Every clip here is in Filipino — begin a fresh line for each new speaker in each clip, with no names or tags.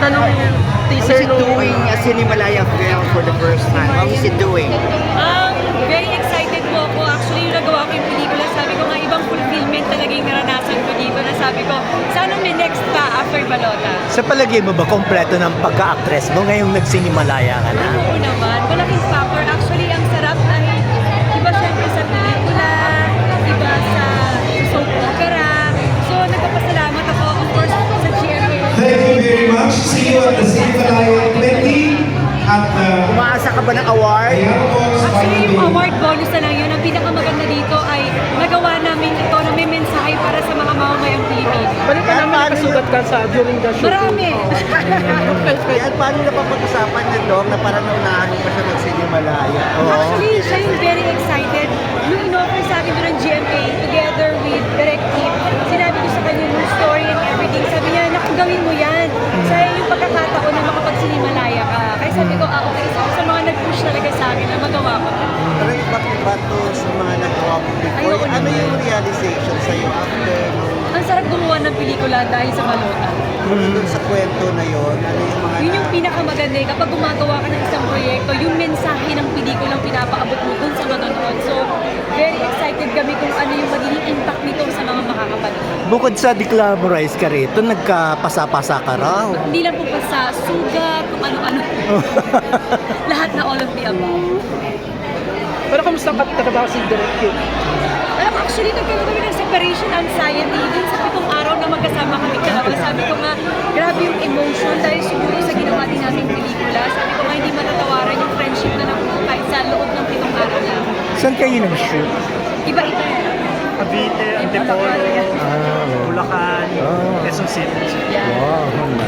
ganda nung
How is
teaser
it
nung...
doing a Cinemalaya film for the first time? How is it doing?
Very excited po ako. Actually, yung nagawa ko yung pelikula, sabi ko nga ibang fulfillment talaga yung naranasan ko dito na sabi ko, sana may next pa after Balota.
Sa palagay mo ba, kompleto ng pagka-actress mo ngayong nagsinimalaya ka na?
Oo naman. Malaking factor. Actually, ang sarap dahil iba syempre sa pelikula, iba sa soap opera. So, nagpapasalamat ako, of course, sa GMA.
Thank you very much. See you at the Cinemalaya 20 at the
Umaasa ka ba ng award?
Actually, yung award bonus na lang yun. Ang pinaka-maganda dito ay nagawa namin ito na may mensahe para sa mga mamamayang Pilipino.
Balik ka namin nakasugat ka sa during the shoot.
Marami.
Yan, paano na papag-usapan niya, Dong, na parang naunahan mo pa siya ng Cinemalaya?
Actually, siya yung very excited. Nung in-offer sa akin doon ng GMA together with Direct Team, sinabi ko sa kanya yung story and everything. Sabi niya, naku, gawin mo yan. Sa'yo yung pagkakataon na makapag-Cinemalaya ka. Kaya sabi ko, okay. So, sa mga nag-push talaga sa akin na magawa ko.
Pero iba to sa mga nagawa mo before.
Ayoko
Ano
naman.
yung realization sa'yo after
Ang sarap gumawa ng pelikula dahil sa Balota.
dun sa kwento na yon? Ano yung mga
Yun yung pinakamaganda eh. Kapag gumagawa ka ng isang proyekto, yung mensahe ng pelikulang pinapaabot mo dun sa manonood. So, very excited kami kung ano yung magiging impact nito sa mga makakapanood.
Bukod sa declamorize ka rito, nagkapasa-pasa ka raw.
Hindi lang po pa sa sugat, kung ano-ano. Lahat na all of the above.
Pero kamusta ka trabaho si Direct Kid?
Actually, nagkaroon kami ng separation anxiety. Dun sa 7 araw na magkasama kami dalawa, sabi ko nga, grabe yung emotion dahil siguro sa ginawa din nating pelikula. Sabi ko nga, hindi matatawaran yung friendship na nakuha kahit sa loob ng 7 araw na.
Saan kayo nag-shoot?
Iba-iba.
Cavite, Antipolo, Bulacan, Quezon City.
Wow.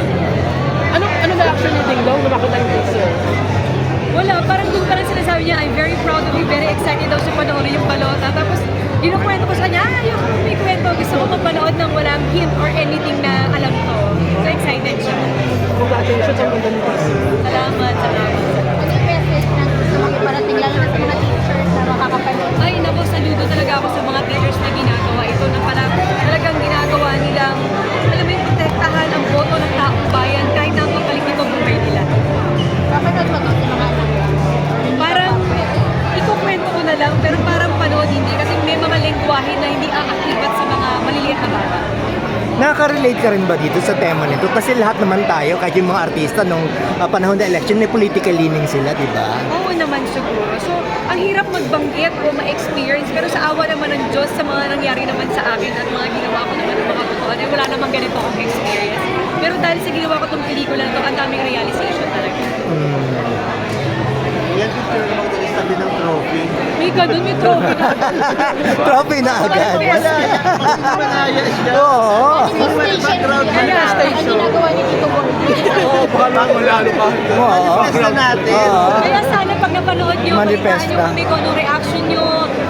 Ano na action ni Ding Dong nung makita yung teaser?
Wala, parang doon parang sinasabi niya, I'm very proud of you, very excited daw siya panoorin yung Balota. Tapos, kinukwento ko sa kanya, yung may kwento, gusto ko magpanood ng walang hint or anything na alam ko. So, excited siya.
Congratulations ang ganda ng teaser.
Salamat.
Ano yung message na gusto mong iparating lalo na sa mga teachers na makakapanood?
Ay, nako, saludo talaga ako sa mga teachers na ginagawa ito na pala talagang ginagawa nilang, alam mo yung protektahan ang boto ng taong bayan kahit na ang pagbalik nito buhay nila.
Papanood mo to sa mga anak mo?
Parang, ikukwento ko na lang, pero parang panood hindi kasi may mga lengguwahe na hindi aakibat sa mga maliliit na bata.
Nakaka-relate ka rin ba dito sa tema nito? Kasi lahat naman tayo, kahit yung mga artista nung panahon ng election, may political leaning sila, di ba?
Oo naman siguro. So, ang hirap magbanggit o ma-experience, pero sa awa naman ng Diyos, sa mga nangyari naman sa akin at mga ginawa ko naman ng mga butuan, ay wala namang ganito akong experience. Pero dahil sa ginawa ko itong pelikula na ito, ang daming realization talaga.
Yan picture mo dali sa tabi ng trophy.
May ganun, may trophy na.
Trophy na agad.
Cinemalaya siya.
Oo.
Background
Ano ang ginagawa ni Tito Bong?
Oo, baka lalo pa.
Oo.
Manifest na natin.
Oo.
Kaya sana pag napanood nyo,
Manifest
balitaan nyo
ka.
kami kung anong reaction nyo,